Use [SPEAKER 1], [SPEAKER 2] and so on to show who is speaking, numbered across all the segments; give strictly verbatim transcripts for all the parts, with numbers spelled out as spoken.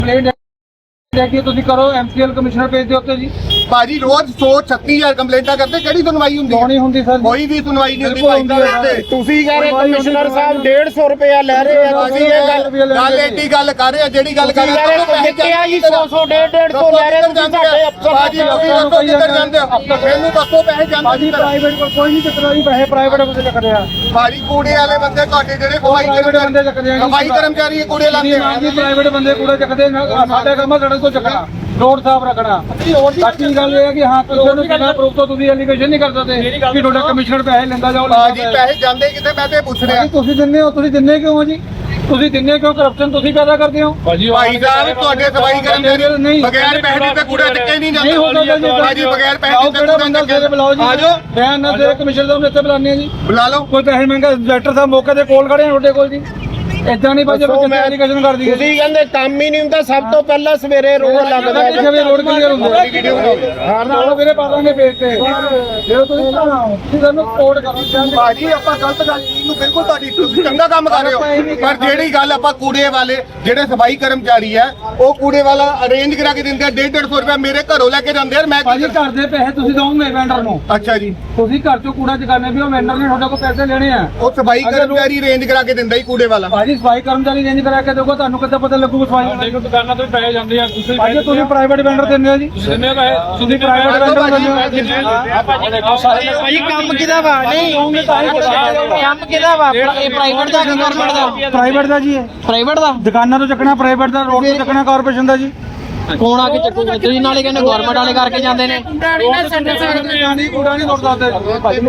[SPEAKER 1] देखिए तुसी करो एमसीएल कमिश्नर भेज दिओ उत्ते जी
[SPEAKER 2] भाजी रोज सौ छत्तीस हजार कंप्लेंटा करते किहड़ी सुनवाई हुंदी
[SPEAKER 1] नहीं हुंदी सर
[SPEAKER 2] कोई भी सुनवाई नहीं हुंदी भाई साहब
[SPEAKER 3] ਤੁਸੀਂ ਕਹ ਰਹੇ ਕਮਿਸ਼ਨਰ ਸਾਹਿਬ डेढ़ सौ रुपया ਲੈ ਰਹੇ ਆ ਤੁਸੀਂ ਇਹ ਗੱਲ
[SPEAKER 2] ਗੱਲ ਏਡੀ ਗੱਲ ਕਰ ਰਹੇ ਆ ਜਿਹੜੀ ਗੱਲ ਕਰ ਰਹੇ ਆ
[SPEAKER 3] ਕਿਹਾ ਜੀ ਸੌ ਸੌ डेढ़ डेढ़ सौ ਲੈ ਰਹੇ ਤੁਸੀਂ ਸਾਡੇ ਅਫਸਰ
[SPEAKER 2] ਭਾਜੀ ਤੁਸੀਂ ਦੱਸੋ ਕਿੱਧਰ ਜਾਂਦੇ ਹੋ ਮੈਨੂੰ ਦੱਸੋ ਪੈਸੇ ਜਾਂਦੇ
[SPEAKER 1] भाजी प्राइवेट को कोई नहीं चक्कर जी पैसे प्राइवेट को चक्कर रहा
[SPEAKER 2] ਭਾਜੀ ਕੂੜੇ ਵਾਲੇ ਬੰਦੇ ਤੁਹਾਡੇ ਜਿਹੜੇ ਸਫਾਈ
[SPEAKER 1] प्राइवेट बंदे चक्कर
[SPEAKER 2] ਸਫਾਈ ਕਰਮਚਾਰੀ ਕੂੜੇ ਲਾਉਂਦੇ ਆ
[SPEAKER 1] जी प्राइवेट बंदे कूड़े चकदे साडे काम सड़क तो चकना रोड साफ रखना बाकी गल ये है कि हां ਕਿਸੇ ਨੂੰ ਬਿਨਾਂ ਪ੍ਰੂਫ ਤੋਂ ਤੁਸੀਂ ਐਲੀਗੇਸ਼ਨ ਨਹੀਂ ਕਰ ਸਕਦੇ ਕਿ ਤੁਹਾਡਾ ਕਮਿਸ਼ਨਰ ਪੈਸੇ ਲੈਂਦਾ ਜਾਓ
[SPEAKER 2] ਭਾਜੀ ਪੈਸੇ ਜਾਂਦੇ ਕਿਤੇ ਮੈਂ ਤੇ ਪੁੱਛ ਰਿਹਾ
[SPEAKER 1] ਤੁਸੀਂ ਦਿੰਦੇ ਹੋ ਤੁਸੀਂ ਦਿੰਦੇ ਕਿਉਂ ਹੋ ਜੀ ਤੁਸੀਂ ਦਿੰਦੇ ਕਿਉਂ ਕਰਪਸ਼ਨ ਤੁਸੀਂ ਪੈਦਾ ਕਰਦੇ ਹੋ
[SPEAKER 2] ਭਾਈ ਸਾਹਿਬ ਤੁਹਾਡੇ ਸਫਾਈ ਕਰਮਚਾਰੀ ਬਗੈਰ ਪੈਸੇ ਦਿੱਤੇ ਕੂੜਾ ਚੱਕੇ ਨਹੀਂ
[SPEAKER 1] ਨਹੀਂ ਹੋ
[SPEAKER 2] ਜਾਂਦਾ
[SPEAKER 1] ਸਕਦਾ ਜੀ
[SPEAKER 2] ਭਾਜੀ ਬਗੈਰ ਪੈਸੇ ਦਿੱਤੇ
[SPEAKER 1] ਕਿਹੜਾ ਬੰਦਾ ਸਵੇਰੇ ਬੁਲਾਓ ਜੀ
[SPEAKER 2] ਆ ਜਾਓ
[SPEAKER 1] ਬਿਆਨ ਨਾ ਦੇ ਕਮਿਸ਼ਨਰ ਸਾਹਿਬ ਨੇ ਇੱਥੇ ਬੁਲਾਣੇ ਜੀ
[SPEAKER 2] ਬੁਲਾ ਲਓ
[SPEAKER 1] ਕੋਈ ਪੈਸੇ ਮੰਗਾ ਡਾਇਰੈਕਟਰ ਸਾਹਿਬ ਮੌਕੇ ਤੇ ਕੋਲ ਖੜੇ ਆ ਤੁਹਾਡੇ ਕੋਲ ਜੀ ਇਦਾਂ ਨਹੀਂ ਭਾਜੀ ਬੱਚੇ ਐਲੀਗੇਸ਼ਨ ਕਰ ਦਈਏ
[SPEAKER 3] ਤੁਸੀਂ ਕਹਿੰਦੇ ਕੰਮ ਹੀ ਨਹੀਂ ਹੁੰਦਾ ਸਭ ਤੋਂ ਪਹਿਲਾਂ ਸਵੇਰੇ ਰੋਡ ਲੱਗਦਾ
[SPEAKER 1] ਕਿੱਥੇ ਵੀ ਰੋਡ ਕਲੀਅਰ ਹੁੰਦਾ ਹਰ ਨਾਲ ਵੀਰੇ ਪਾ ਦਾਂਗੇ ਪੇਜ ਤੇ ਜੇ ਤੁਸੀਂ ਤੁਹਾਨੂੰ ਕੋਡ ਕਰੋ
[SPEAKER 2] ਭਾਜੀ ਆਪਾਂ ਗਲਤ ਗੱਲ ਨੂੰ ਬਿਲਕੁਲ ਤੁਹਾਡੀ ਤੁਸੀਂ ਚੰਗਾ ਕੰਮ ਕਰ ਰਹੇ ਹੋ ਪਰ ਜਿਹੜੀ ਗੱਲ ਆਪਾਂ ਕੂੜੇ ਵਾਲੇ ਜਿਹੜੇ ਸਫਾਈ ਕਰਮਚਾਰੀ ਆ ਉਹ ਕੂੜੇ ਵਾਲਾ ਅਰੇਂਜ ਕਰਾ ਕੇ ਦਿੰਦੇ ਆ ਡੇਢ ਡੇਢ ਸੌ ਰੁਪਏ ਮੇਰੇ ਘਰੋਂ ਲੈ ਕੇ ਜਾਂਦੇ ਆ ਮੈਂ
[SPEAKER 1] ਭਾਜੀ ਘਰ ਦੇ ਪੈਸੇ ਤੁਸੀਂ ਦੋਗੇ ਵੈਂਡਰ ਨੂੰ
[SPEAKER 2] ਅੱਛਾ ਜੀ
[SPEAKER 1] ਤੁਸੀਂ ਘਰ ਚੋਂ ਕੂੜਾ ਚਕਾਣੇ ਵੀ ਉਹ ਵੈਂਡਰ ਨੇ ਤੁਹਾਡੇ ਕੋਲ ਪੈਸੇ ਲੈਣੇ ਆ
[SPEAKER 2] ਉਹ ਸਫਾਈ ਕਰਮਚਾਰੀ ਅਰੇਂਜ ਕਰਾ ਕੇ ਦਿੰਦਾ ਹੀ ਕੂੜੇ ਵਾਲਾ
[SPEAKER 1] ਭਾਜੀ ਸਫਾਈ ਕਰਮਚਾਰੀ ਰੇਂਜ ਕਰਾ ਕੇ ਦੋਗਾ ਤੁਹਾਨੂੰ ਕਿੱਦਾਂ ਪਤਾ ਲੱਗੂਗਾ ਸਫਾਈ
[SPEAKER 4] ਦੇਖੋ ਦੁਕਾਨਾਂ ਤੋਂ ਪੈਸੇ ਜਾਂਦੇ ਆ ਤੁਸੀਂ
[SPEAKER 1] ਭਾਜੀ ਤੁਸੀਂ ਪ੍ਰਾਈਵੇਟ ਵੈਂਡਰ ਦਿੰਦੇ ਹੋ ਜੀ
[SPEAKER 4] ਜਿੰਨੇ ਪੈਸੇ
[SPEAKER 1] ਤੁਸੀਂ ਪ੍ਰਾਈਵੇਟ ਵੈਂਡਰ ਦਿੰਦੇ ਹੋ
[SPEAKER 3] ਭਾਈ ਕੰਮ ਕਿਹਦਾ ਵਾ ਨਹੀਂ ਕੰਮ ਕਿਹਦਾ ਵਾ ਇਹ ਪ੍ਰਾਈਵੇਟ ਦਾ ਕਿ ਗਵਰਨਮੈਂਟ ਦਾ
[SPEAKER 1] ਪ੍ਰਾਈਵੇਟ ਦਾ ਜੀ
[SPEAKER 3] ਪ੍ਰਾਈਵੇਟ ਦਾ
[SPEAKER 1] ਦੁਕਾਨਾਂ ਤੋਂ ਚੱਕਣਾ ਪ੍ਰਾਈਵੇਟ ਦਾ ਰੋਡ ਤੋਂ ਚੱਕਣਾ ਕਾਰਪੋਰੇਸ਼ਨ ਦਾ ਜੀ
[SPEAKER 3] ਕੌਣ ਆ ਕੇ ਚੱਕੂਗਾ ਤੁਸੀਂ ਨਾਲੇ ਕਹਿੰਦੇ ਗਵਰਨਮੈਂਟ ਵਾਲੇ ਕਰਕੇ ਜਾਂਦੇ ਨੇ
[SPEAKER 1] ਨਹੀਂ ਕੂੜਾ ਨਹੀਂ ਤੋੜ ਸਕਦੇ ਭਾਜੀ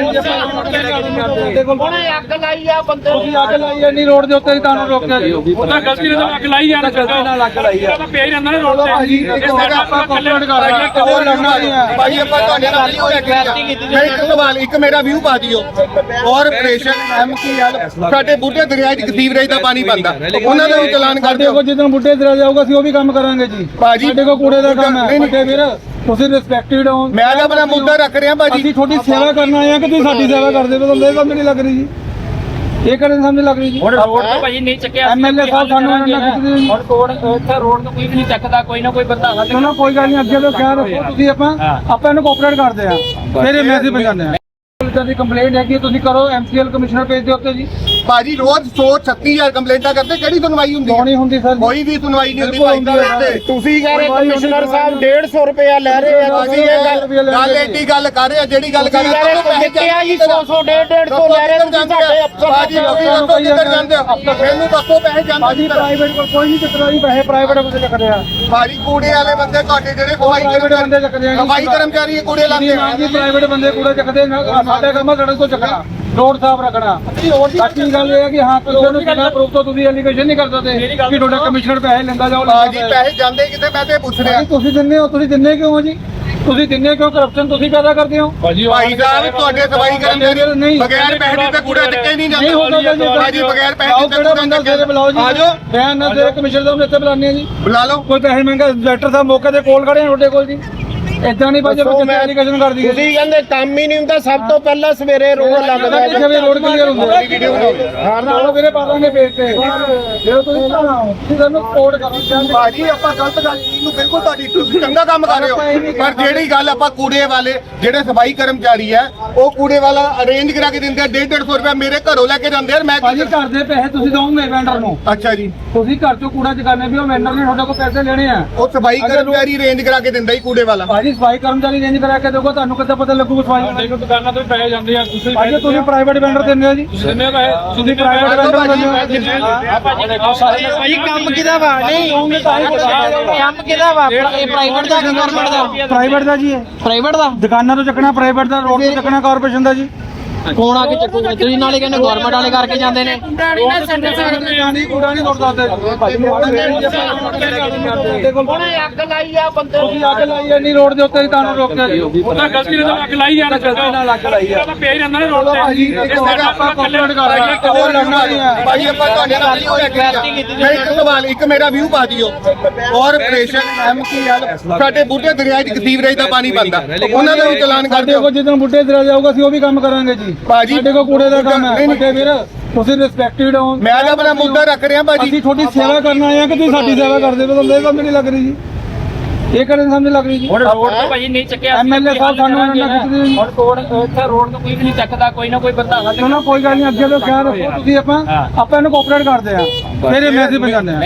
[SPEAKER 3] ਉਹਨੇ ਅੱਗ ਲਾਈ ਆ ਬੰਦੇ
[SPEAKER 1] ਤੁਸੀਂ ਅੱਗ ਲਾਈ ਐ ਨਹੀਂ ਰੋਡ ਦੇ ਉੱਤੇ ਹੀ ਤੁਹਾਨੂੰ ਰੋਕਿਆ ਜੀ
[SPEAKER 4] ਉਹਦਾ ਗਲਤੀ ਨਾਲ ਅੱਗ ਲਾਈ ਜਾਣਾ
[SPEAKER 1] ਗਲਤੀ ਨਾਲ ਅੱਗ ਲਾਈ ਆ
[SPEAKER 4] ਉਹਦਾ ਪਿਆ ਹੀ ਰਹਿੰਦਾ ਨੇ ਰੋਡ ਤੇ
[SPEAKER 1] ਭਾਜੀ ਇੱਕ ਵਾਰ ਆਪਾਂ ਕੰਪਲੇਂਟ ਕਰ ਰਹੇ ਹਾਂ ਕੋਈ ਲੜਨਾ ਨਹੀਂ ਹੈ
[SPEAKER 2] ਭਾਜੀ ਆਪਾਂ ਤੁਹਾਡੇ ਨਾਲ ਨਹੀਂ ਹੋਇਆ ਮੈਂ ਇੱਕ ਸਵਾਲ ਇੱਕ ਮੇਰਾ ਵਿਊ ਪਾ ਦਿਓ ਕਾਰਪੋਰੇਸ਼ਨ ਐਮਸੀਐਲ ਸਾਡੇ ਬੁੱਢੇ ਦਰਿਆ ਦੀ ਸੀਵਰੇਜ ਦਾ ਪਾਣੀ ਬੰਦਾ ਉਹਨਾਂ ਦਾ ਵੀ ਚਲਾਨ ਕਰ
[SPEAKER 1] ਸਾਡੇ
[SPEAKER 2] ਦਿਓ
[SPEAKER 1] ਕੋਲ ਜਦੋਂ ਬੁੱਢੇ ਦਰਿਆ ਜਾਊਗਾ ਅਸੀਂ ਉਹ ਵੀ ਕੰਮ ਕਰਾਂਗੇ ਜੀ
[SPEAKER 2] ਭਾਜੀ
[SPEAKER 1] ਸਾਡੇ ਕੋਲ ਕੂੜੇ ਦਾ ਕੰਮ ਹੈ ਵੱਡੇ ਵੀਰ ਤੁਸੀਂ ਰਿਸਪੈਕਟਡ ਹੋ
[SPEAKER 2] ਮੈਂ ਤਾਂ ਆਪਣਾ ਮੁੱਦਾ ਰੱਖ ਰਿਹਾ ਭਾਜੀ
[SPEAKER 1] ਅਸੀਂ ਤੁਹਾਡੀ ਸੇਵਾ ਕਰਨ ਆਏ ਆ ਕਿ ਤੁਸੀਂ ਸਾਡੀ ਸੇਵਾ ਕਰਦੇ ਹੋ ਤੁਹਾਨੂੰ ਇਹ ਸਮਝ ਨਹੀਂ ਲੱਗ ਰਹੀ ਜੀ ਇਹ ਕਰਨ ਸਮਝ ਲੱਗ ਰਹੀ ਜੀ
[SPEAKER 4] ਹੁਣ ਰੋਡ ਤੋਂ ਭਾਜੀ ਨਹੀਂ ਚੱਕਿਆ
[SPEAKER 1] ਐਮਐਲਏ ਸਾਹਿਬ ਸਾਨੂੰ ਇਹਨਾਂ ਨਾਲ ਖਿੱਚਦੇ ਜੀ
[SPEAKER 4] ਹੁਣ ਕੋਡ ਇੱਥੇ ਰੋਡ ਤੋਂ ਕੋਈ ਵੀ ਨਹੀਂ ਚੱਕਦਾ ਕੋਈ ਨਾ ਕੋਈ ਬੰਦਾ ਹੱਲ
[SPEAKER 1] ਚਲੋ ਕੋਈ ਗੱਲ ਨਹੀਂ ਅੱਗੇ ਤੋਂ ਖਿਆਲ ਰੱਖੋ ਤੁਸੀਂ ਆਪਾਂ ਆਪਾਂ ਇਹਨੂੰ ਕੋਆਪਰੇਟ ਕਰਦੇ ਆ ਫਿਰ ਇਹ ਮੈਸੇਜ ਪਹੁੰਚਾਉਂਦੇ ਆ ਪੁਲਿਸ ਦੀ ਕੰਪਲੇਂਟ ਹੈ ਕਿ ਤੁਸੀਂ ਕਰੋ ਐਮਸੀਐਲ ਕਮਿਸ਼ਨਰ ਭੇਜ ਦਿਓ ਉੱਤੇ ਜੀ
[SPEAKER 2] ਭਾਜੀ ਰੋਜ਼ ਸੌ ਛੱਤੀ ਹਜ਼ਾਰ ਕੰਪਲੇਂਟਾਂ ਕਰਦੇ ਕਿਹੜੀ ਸੁਣਵਾਈ ਹੁੰਦੀ
[SPEAKER 1] ਨਹੀਂ ਹੁੰਦੀ ਸਰ
[SPEAKER 2] ਕੋਈ ਵੀ ਸੁਣਵਾਈ ਨਹੀਂ ਹੁੰਦੀ ਭਾਈ ਸਾਹਿਬ
[SPEAKER 3] ਤੁਸੀਂ ਕਹ ਰਹੇ ਕਮਿਸ਼ਨਰ ਸਾਹਿਬ डेढ़ सौ रुपया ਲੈ ਰਹੇ ਆ ਤੁਸੀਂ ਇਹ ਗੱਲ
[SPEAKER 2] ਗੱਲ ਏਡੀ ਗੱਲ ਕਰ ਰਹੇ ਆ ਜਿਹੜੀ ਗੱਲ ਕਰ ਰਹੇ ਆ
[SPEAKER 3] ਕਿਹਾ ਜੀ ਸੌ ਸੌ डेढ़ डेढ़ सौ ਲੈ ਰਹੇ ਤੁਸੀਂ ਸਾਡੇ ਅਫਸਰ
[SPEAKER 2] ਭਾਜੀ ਤੁਸੀਂ ਦੱਸੋ ਕਿੱਧਰ ਜਾਂਦੇ ਹੋ ਮੈਨੂੰ ਦੱਸੋ ਪੈਸੇ ਜਾਂਦੇ
[SPEAKER 1] ਭਾਜੀ ਪ੍ਰਾਈਵੇਟ ਕੋਲ ਕੋਈ ਨਹੀਂ ਚੱਕਰ ਜੀ ਪੈਸੇ ਪ੍ਰਾਈਵੇਟ ਕੋਲ ਚੱਕਰ ਆ
[SPEAKER 2] ਭਾਜੀ ਕੂੜੇ ਵਾਲੇ ਬੰਦੇ ਤੁਹਾਡੇ ਜਿਹੜੇ ਸਫਾਈ
[SPEAKER 1] ਪ੍ਰਾਈਵੇਟ ਬੰਦੇ ਚੱਕਦੇ ਆ
[SPEAKER 2] ਸਫਾਈ ਕਰਮਚਾਰੀ ਕੂੜੇ ਲਾਉਂਦੇ ਆ
[SPEAKER 1] ਜੀ ਪ੍ਰਾਈਵੇਟ ਬੰਦੇ ਕੂੜੇ ਚੱਕਦੇ ਸਾਡੇ ਕੰਮ ਸੜਕ ਤੋਂ ਚੱਕਣਾ ਰੋਡ ਸਾਫ ਰੱਖਣਾ ਬਾਕੀ ਗੱਲ ਇਹ ਹੈ ਕਿ ਹਾਂ ਕਿਸੇ ਨੂੰ ਬਿਨਾਂ ਪ੍ਰੂਫ ਤੋਂ ਤੁਸੀਂ ਐਲੀਗੇਸ਼ਨ ਨਹੀਂ ਕਰ ਸਕਦੇ ਕਿ ਤੁਹਾਡਾ ਕਮਿਸ਼ਨਰ ਪੈਸੇ ਲੈਂਦਾ ਜਾਓ
[SPEAKER 2] ਭਾਜੀ ਪੈਸੇ ਜਾਂਦੇ ਕਿਤੇ ਮੈਂ ਤੇ ਪੁੱਛ ਰਿਹਾ
[SPEAKER 1] ਤੁਸੀਂ ਦਿੰਦੇ ਹੋ ਤੁਸੀਂ ਦਿੰਦੇ ਕਿਉਂ ਹੋ ਜੀ ਤੁਸੀਂ ਦਿੰਦੇ ਕਿਉਂ ਕਰਪਸ਼ਨ ਤੁਸੀਂ ਪੈਦਾ ਕਰਦੇ ਹੋ
[SPEAKER 4] ਭਾਜੀ
[SPEAKER 2] ਭਾਈ ਸਾਹਿਬ ਤੁਹਾਡੇ ਸਫਾਈ ਕਰਮਚਾਰੀ ਬਗੈਰ ਪੈਸੇ ਦਿੱਤੇ ਕੂੜਾ ਚੱਕੇ ਨਹੀਂ
[SPEAKER 1] ਨਹੀਂ ਹੋ
[SPEAKER 2] ਜਾਂਦਾ
[SPEAKER 1] ਸਕਦਾ ਜੀ
[SPEAKER 2] ਭਾਜੀ ਬਗੈਰ ਪੈਸੇ ਦਿੱਤੇ
[SPEAKER 1] ਕਿਹੜਾ ਬੰਦਾ ਸਵੇਰੇ ਬੁਲਾਓ ਜੀ
[SPEAKER 2] ਆ ਜਾਓ
[SPEAKER 1] ਬਿਆਨ ਨਾ ਦੇ ਕਮਿਸ਼ਨਰ ਸਾਹਿਬ ਨੇ ਇੱਥੇ ਬੁਲਾਣੇ ਜੀ
[SPEAKER 2] ਬੁਲਾ ਲਓ
[SPEAKER 1] ਕੋਈ ਪੈਸੇ ਮੰਗਾ ਡਾਇਰੈਕਟਰ ਸਾਹਿਬ ਮੌਕੇ ਤੇ ਕੋਲ ਖੜੇ ਆ ਤੁਹਾਡੇ ਕੋਲ ਜੀ ਇਦਾਂ ਨਹੀਂ ਭਾਜੀ ਬੱਚੇ ਐਲੀਗੇਸ਼ਨ ਕਰ ਦਈਏ
[SPEAKER 3] ਤੁਸੀਂ ਕਹਿੰਦੇ ਕੰਮ ਹੀ ਨਹੀਂ ਹੁੰਦਾ ਸਭ ਤੋਂ ਪਹਿਲਾਂ ਸਵੇਰੇ ਰੋਡ ਲੱਗਦਾ
[SPEAKER 1] ਕਿੱਥੇ ਵੀ ਰੋਡ ਕਲੀਅਰ ਹੁੰਦਾ ਹਰ ਨਾਲ ਵੀਰੇ ਪਾ ਦਾਂਗੇ ਪੇਜ ਤੇ ਜੇ ਤੁਸੀਂ ਤੁਹਾਨੂੰ ਕੋਡ ਕਰੋ
[SPEAKER 2] ਭਾਜੀ ਆਪਾਂ ਗਲਤ ਗੱਲ ਨੂੰ ਬਿਲਕੁਲ ਤੁਹਾਡੀ ਤੁਸੀਂ ਚੰਗਾ ਕੰਮ ਕਰ ਰਹੇ ਹੋ ਪਰ ਜਿਹੜੀ ਗੱਲ ਆਪਾਂ ਕੂੜੇ ਵਾਲੇ ਜਿਹੜੇ ਸਫਾਈ ਕਰਮਚਾਰੀ ਆ ਉਹ ਕੂੜੇ ਵਾਲਾ ਅਰੇਂਜ ਕਰਾ ਕੇ ਦਿੰਦੇ ਆ ਡੇਢ ਡੇਢ ਸੌ ਰੁਪਏ ਮੇਰੇ ਘਰੋਂ ਲੈ ਕੇ ਜਾਂਦੇ ਆ ਮੈਂ
[SPEAKER 1] ਭਾਜੀ ਘਰ ਦੇ ਪੈਸੇ ਤੁਸੀਂ ਦੋਗੇ ਵੈਂਡਰ ਨੂੰ
[SPEAKER 2] ਅੱਛਾ ਜੀ
[SPEAKER 1] ਤੁਸੀਂ ਘਰ ਚੋਂ ਕੂੜਾ ਚਕਾਣੇ ਵੀ ਉਹ ਵੈਂਡਰ ਨੇ ਤੁਹਾਡੇ ਕੋਲ ਪੈਸੇ ਲੈਣੇ ਆ
[SPEAKER 2] ਉਹ ਸਫਾਈ ਕਰਮਚਾਰੀ ਅਰੇਂਜ ਕਰਾ ਕੇ ਦਿੰਦਾ ਹੀ ਕੂੜੇ ਵਾਲਾ
[SPEAKER 1] ਭਾਜੀ ਸਫਾਈ ਕਰਮਚਾਰੀ ਰੇਂਜ ਕਰਾ ਕੇ ਦੋਗਾ ਤੁਹਾਨੂੰ ਕਿੱਦਾਂ ਪਤਾ ਲੱਗੂਗਾ ਸਫਾਈ
[SPEAKER 4] ਦੇਖੋ ਦੁਕਾਨਾਂ ਤੋਂ ਪੈਸੇ ਜਾਂਦੇ ਆ ਤੁਸੀਂ
[SPEAKER 1] ਭਾਜੀ ਤੁਸੀਂ ਪ੍ਰਾਈਵੇਟ ਵੈਂਡਰ ਦਿੰਦੇ ਹੋ ਜੀ
[SPEAKER 4] ਜਿੰਨੇ ਪੈਸੇ
[SPEAKER 1] ਤੁਸੀਂ ਪ੍ਰਾਈਵੇਟ ਵੈਂਡਰ ਦਿੰਦੇ ਹੋ
[SPEAKER 3] ਭਾਈ ਕੰਮ ਕਿਹਦਾ ਵਾ ਨਹੀਂ ਕੰਮ ਕਿਹਦਾ ਵਾ ਇਹ ਪ੍ਰਾਈਵੇਟ ਦਾ ਕਿ ਗਵਰਨਮੈਂਟ ਦਾ
[SPEAKER 1] ਪ੍ਰਾਈਵੇਟ ਦਾ ਜੀ
[SPEAKER 3] ਪ੍ਰਾਈਵੇਟ ਦਾ
[SPEAKER 1] ਦੁਕਾਨਾਂ ਤੋਂ ਚੱਕਣਾ ਪ੍ਰਾਈਵੇਟ ਦਾ ਰੋਡ ਤੋਂ ਚੱਕਣਾ ਕਾਰਪੋਰੇਸ਼ਨ ਦਾ ਜੀ
[SPEAKER 3] ਕੌਣ ਆ ਕੇ ਚੱਕੂਗਾ ਤੁਸੀਂ ਨਾਲੇ ਕਹਿੰਦੇ ਗਵਰਨਮੈਂਟ ਵਾਲੇ ਕਰਕੇ ਜਾਂਦੇ ਨੇ
[SPEAKER 1] ਨਹੀਂ ਕੂੜਾ ਨਹੀਂ ਤੋੜ ਸਕਦੇ ਭਾਜੀ
[SPEAKER 3] ਉਹਨੇ ਅੱਗ ਲਾਈ ਆ ਬੰਦੇ
[SPEAKER 1] ਤੁਸੀਂ ਅੱਗ ਲਾਈ ਐ ਨਹੀਂ ਰੋਡ ਦੇ ਉੱਤੇ ਹੀ ਤੁਹਾਨੂੰ ਰੋਕਿਆ ਜੀ
[SPEAKER 4] ਉਹਦਾ ਗਲਤੀ ਨਾਲ ਅੱਗ ਲਾਈ ਜਾਣਾ
[SPEAKER 1] ਗਲਤੀ ਨਾਲ ਅੱਗ ਲਾਈ ਆ
[SPEAKER 4] ਉਹਦਾ ਪਿਆ ਹੀ ਰਹਿੰਦਾ ਨੇ ਰੋਡ ਤੇ
[SPEAKER 1] ਭਾਜੀ ਇੱਕ ਵਾਰ ਆਪਾਂ ਕੰਪਲੇਂਟ ਕਰ ਰਹੇ ਹਾਂ ਕੋਈ ਲੜਨਾ ਨਹੀਂ ਹੈ
[SPEAKER 2] ਭਾਜੀ ਆਪਾਂ ਤੁਹਾਡੇ ਨਾਲ ਨਹੀਂ ਹੋਇਆ ਮੈਂ ਇੱਕ ਸਵਾਲ ਇੱਕ ਮੇਰਾ ਵਿਊ ਪਾ ਦਿਓ ਕਾਰਪੋਰੇਸ਼ਨ ਐਮਸੀਐਲ ਸਾਡੇ ਬੁੱਢੇ ਦਰਿਆ ਦੀ ਸੀਵਰੇਜ ਦਾ ਪਾਣੀ ਬੰਦਾ ਉਹਨਾਂ ਦਾ ਵੀ ਚਲਾਨ ਕਰ
[SPEAKER 1] ਸਾਡੇ
[SPEAKER 2] ਦਿਓ
[SPEAKER 1] ਕੋਲ ਜਦੋਂ ਬੁੱਢੇ ਦਰਿਆ ਜਾਊਗਾ ਅਸੀਂ ਉਹ ਵੀ ਕੰਮ ਕਰਾਂਗੇ ਜੀ
[SPEAKER 2] ਭਾਜੀ
[SPEAKER 1] ਸਾਡੇ ਕੋਲ ਕੂੜੇ ਦਾ ਕੰਮ ਹੈ ਵੱਡੇ ਵੀਰ ਤੁਸੀਂ ਰਿਸਪੈਕਟਡ ਹੋ।
[SPEAKER 2] ਮੈਂ ਤਾਂ ਆਪਣਾ ਮੁੱਦਾ ਰੱਖ ਰਿਹਾ ਭਾਜੀ।
[SPEAKER 1] ਅਸੀਂ ਤੁਹਾਡੀ ਸੇਵਾ ਕਰਨ ਆਏ ਆ ਕਿ ਤੁਸੀਂ ਸਾਡੀ ਸੇਵਾ ਕਰਦੇ ਹੋ, ਤੁਹਾਨੂੰ ਇਹ ਸਮਝ ਨਹੀਂ ਲੱਗ ਰਹੀ ਜੀ, ਇਹ ਕਰਨ ਸਮਝ ਲੱਗ ਰਹੀ ਜੀ।
[SPEAKER 3] ਹੁਣ ਰੋਡ ਤੋਂ ਭਾਜੀ ਨਹੀਂ ਚੱਕਿਆ
[SPEAKER 1] ਐਮਐਲਏ ਸਾਹਿਬ ਸਾਨੂੰ ਇਹਨਾਂ ਨਾਲ ਖਿੱਚਦੇ ਜੀ।
[SPEAKER 3] ਹੁਣ ਰੋਡ ਇੱਥੇ ਰੋਡ ਤੋਂ ਕੋਈ ਵੀ ਨਹੀਂ ਚੱਕਦਾ, ਕੋਈ ਨਾ ਕੋਈ ਬੰਦਾ ਹੱਲ
[SPEAKER 1] ਚਲੋ ਕੋਈ ਗੱਲ ਨਹੀਂ, ਅੱਗੇ ਤੋਂ ਖਿਆਲ ਰੱਖੋ ਤੁਸੀਂ। ਆਪਾਂ ਆਪਾਂ ਇਹਨੂੰ ਕੋਆਪਰੇਟ ਕਰਦੇ ਆ, ਫਿਰ ਇਹ ਮੈਸੇਜ ਪਹੁੰਚਾਉਂਦੇ ਆ।